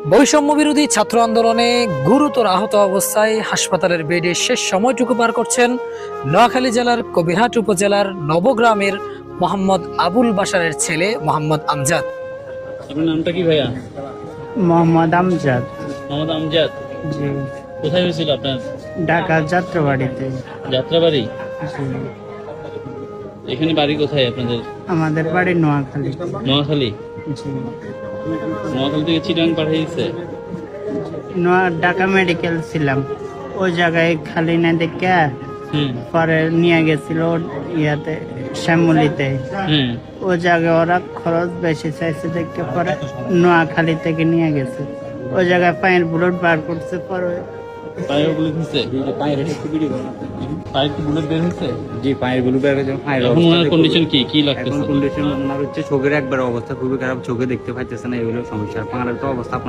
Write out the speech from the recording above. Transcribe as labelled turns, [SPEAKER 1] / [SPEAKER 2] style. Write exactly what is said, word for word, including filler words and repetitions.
[SPEAKER 1] বৈষম্য বিরোধী ছাত্র আন্দোলনে গুরুতর আহত অবস্থায় হাসপাতালের বেডে শেষ সময়টুকু পার করছেন নোয়াখালী জেলার কবিরহাট উপজেলার নবগ্রামের মোহাম্মদ আবুল বাশারের ছেলে মোহাম্মদ আমজাদ।
[SPEAKER 2] আপনার নামটা কি ভাইয়া?
[SPEAKER 3] মোহাম্মদ আমজাদ।
[SPEAKER 2] মোহাম্মদ আমজাদ,
[SPEAKER 3] জি।
[SPEAKER 2] কোথায় হয়েছিল আপনার?
[SPEAKER 3] ঢাকা যাত্রাবাড়িতে।
[SPEAKER 2] যাত্রাবাড়ি?
[SPEAKER 3] জি।
[SPEAKER 2] এখানে বাড়ি কোথায় আপনাদের?
[SPEAKER 3] আমাদের বাড়ি নোয়াখালী।
[SPEAKER 2] নোয়াখালী?
[SPEAKER 3] জি।
[SPEAKER 2] নোয়াখালী থেকে চিটাং পাঠিয়েছে?
[SPEAKER 3] নোয়া ঢাকা মেডিকেল ছিলাম, ওই জায়গায় খালি না দেখে
[SPEAKER 2] হুম
[SPEAKER 3] পরে নিয়ে গেছিল ইয়াতে শ্যামলিতে।
[SPEAKER 2] হুম
[SPEAKER 3] ওই জায়গায় ওরা খরচ বেশি চাইছে দেখে পরে নোয়াখালী থেকে নিয়ে গেছে। ওই জায়গায় পায়ের বুলেট বার করছে, পরে
[SPEAKER 2] পায়ে বুলেট হয়েছে? পায়ে কি বুলেট বের হয়েছে?
[SPEAKER 4] জি, পায়ের গুলো বের হয়েছে। পায়ের
[SPEAKER 2] এখন ওনার কন্ডিশন কি কি
[SPEAKER 4] এখন
[SPEAKER 2] লাগতেছে?
[SPEAKER 4] কন্ডিশন ওনার হচ্ছে চোখের একবার অবস্থা খুবই খারাপ, চোখে দেখতে পাইতেছে না, এগুলো সমস্যা। পায়ের তো অবস্থা